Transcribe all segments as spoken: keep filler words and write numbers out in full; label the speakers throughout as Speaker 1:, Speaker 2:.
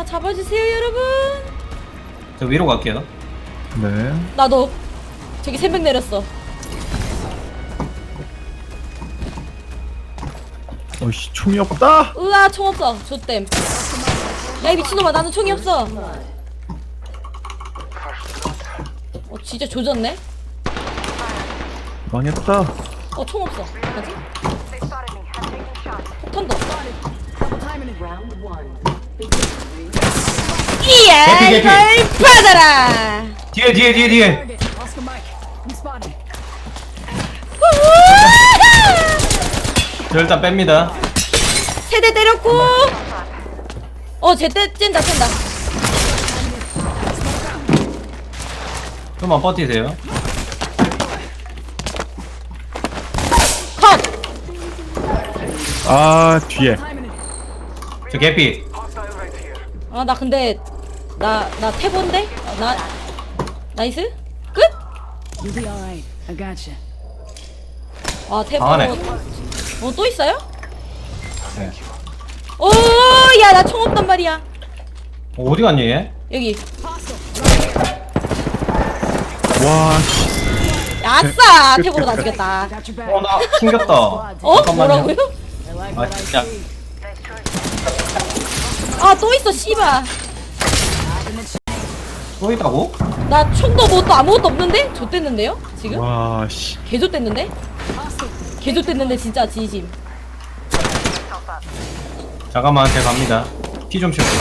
Speaker 1: 잡아주세요 여러분.
Speaker 2: 저 위로 갈게요.
Speaker 3: 네.
Speaker 1: 나도 저기 세 명 내렸어.
Speaker 3: 어이씨, 총이 없다!
Speaker 1: 으아 총 없어. 좆댐. 야 이 미친놈아 나는 총이 없어. 어 진짜 조졌네.
Speaker 3: 망했다.
Speaker 1: 어 총 없어. 뭐지? 폭탄도 없어. 이야
Speaker 2: 개피, 개피.
Speaker 1: 이걸 받아라.
Speaker 2: 뒤에 뒤에 뒤에 뒤에. 저 일단 뺍니다.
Speaker 1: 세대 때렸고. 어 제때 찐다 찐다.
Speaker 2: 좀만 버티세요.
Speaker 1: 컷.
Speaker 3: 아, 뒤에.
Speaker 2: 저 개피.
Speaker 1: 아 나 근데 나 나 태본데? 어, 나 나이스? 끝?
Speaker 4: You'll be alright. I gotcha.
Speaker 1: 아 태보.
Speaker 2: 강하네.
Speaker 1: 어 또 있어요?
Speaker 2: 네.
Speaker 1: 오야 나 총 없단 말이야.
Speaker 2: 어, 어디 갔니 얘?
Speaker 1: 여기.
Speaker 3: 와, 씨.
Speaker 1: 아싸 태보로 나 죽였다.
Speaker 4: Got your back.
Speaker 2: 어 나 튕겼다.
Speaker 1: 어?
Speaker 2: 잠깐만요.
Speaker 1: 뭐라고요?
Speaker 4: I like
Speaker 2: 아
Speaker 4: what I
Speaker 2: 진짜.
Speaker 4: see.
Speaker 1: 아 또 있어 씨발.
Speaker 2: 또 있다고?
Speaker 1: 나 총도 뭐 또 아무것도 없는데? 좆됐는데요? 지금?
Speaker 3: 와, 씨.
Speaker 1: 개좆됐는데? 개좆됐는데 진짜 진심.
Speaker 2: 잠깐만 제가 갑니다. 피 좀 치울게요.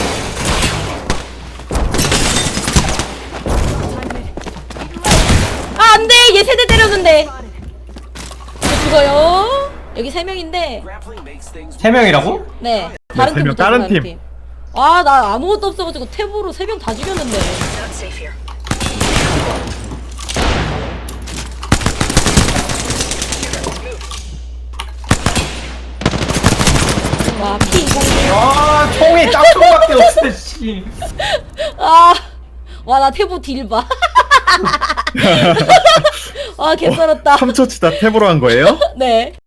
Speaker 1: 아 안돼 얘 세대 때렸는데. 저 죽어요. 여기 세 명인데.
Speaker 2: 세 명이라고?
Speaker 1: 네. 다른
Speaker 3: 세 명,
Speaker 1: 팀부터
Speaker 3: 다른
Speaker 1: 다른
Speaker 3: 팀.
Speaker 1: 아 나 아무것도 없어가지고 탭으로 세 명 다 죽였는데. 와 피 이공.
Speaker 2: 아 총이 짝퉁밖에 없어 씨.
Speaker 1: 아, 와 나 태보 딜 봐. 아 개쩔었다.
Speaker 3: 삼 초 치다 탭으로 한 거예요?
Speaker 1: 네.